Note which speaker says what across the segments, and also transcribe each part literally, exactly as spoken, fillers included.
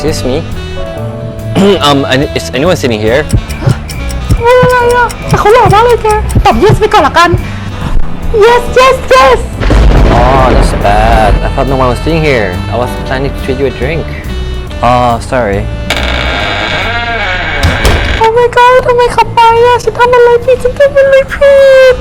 Speaker 1: excuse me. um, is anyone sitting here?
Speaker 2: อะไรอ่ะแต่เขาหล่อมากเลยแกตอบ yes ไปก่อนละกัน yes yes yes
Speaker 1: Oh, that's bad. I thought no one was sitting here. I was planning to treat you a drink. Oh, sorry.
Speaker 2: oh my god ทำไมเขาไปอ่ะฉันทำอะไรผิดฉันทำอะไรผิด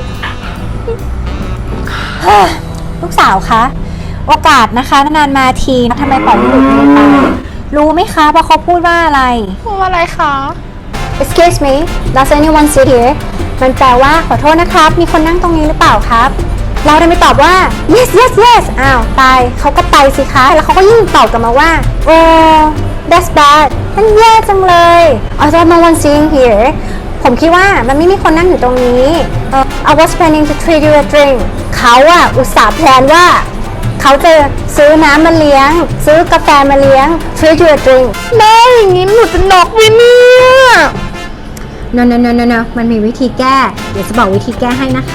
Speaker 2: ลูกสาวคะโอกาสนะคะนานๆมาทีทำไมปล่อยให้หลุดมือไปรู้ไหมคะว่าเขาพูดว่าอะไร
Speaker 3: พูดอะไรคะ
Speaker 2: excuse me does anyone sit here มันแปลว่าขอโทษนะครับมีคนนั่งตรงนี้หรือเปล่าครับเราได้ไม่ตอบว่า yes yes yes อ้าวตายเขาก็ไปสิคะแล้วเขาก็ยิ่งตอบกลับมาว่า oh that's bad มันแย่จังเลย I thought no one sitting here ผมคิดว่ามันไม่มีคนนั่งอยู่ตรงนี้ uh, I was planning to treat you a drink เขาอะอุตส่าห์แพลนว่าเขาจะซื้อน้ำมาเลี้ยงซื้อกาแฟมาเลี้ยง treat you a drink
Speaker 3: แม่อย่างนี้หนูจะน็อกวิเนี่ย
Speaker 2: no no no no no มันมีวิธีแก้เดี๋ยวจะบอกวิธีแก้ให้นะคะ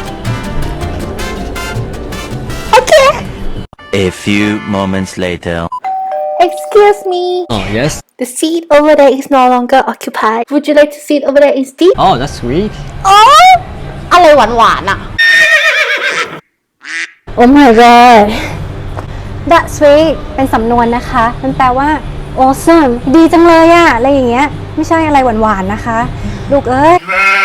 Speaker 3: โอเค
Speaker 4: A few moments later.
Speaker 3: excuse me
Speaker 1: Oh, yes?
Speaker 3: the seat over there is no longer occupied would you like to sit over there instead
Speaker 1: Oh, that's sweet.
Speaker 3: อ๋ออะไรหวานหวานๆอะ
Speaker 2: oh my god that's sweet เป็นสำนวนนะคะมันแปลว่า awesome ดีจังเลยอะอะไรอย่างเงี้ยไม่ใช่อะไรหวานๆนะคะลูกเอ้ย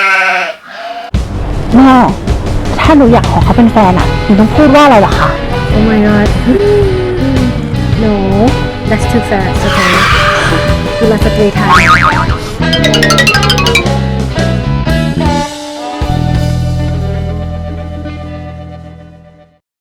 Speaker 3: แม่ถ้าหนูอยากขอเขาเป็นแฟนอะหนูต้องพูดว่าอะไรหรอคะ
Speaker 2: oh my god no that's too fast okay กุลสตรีไทย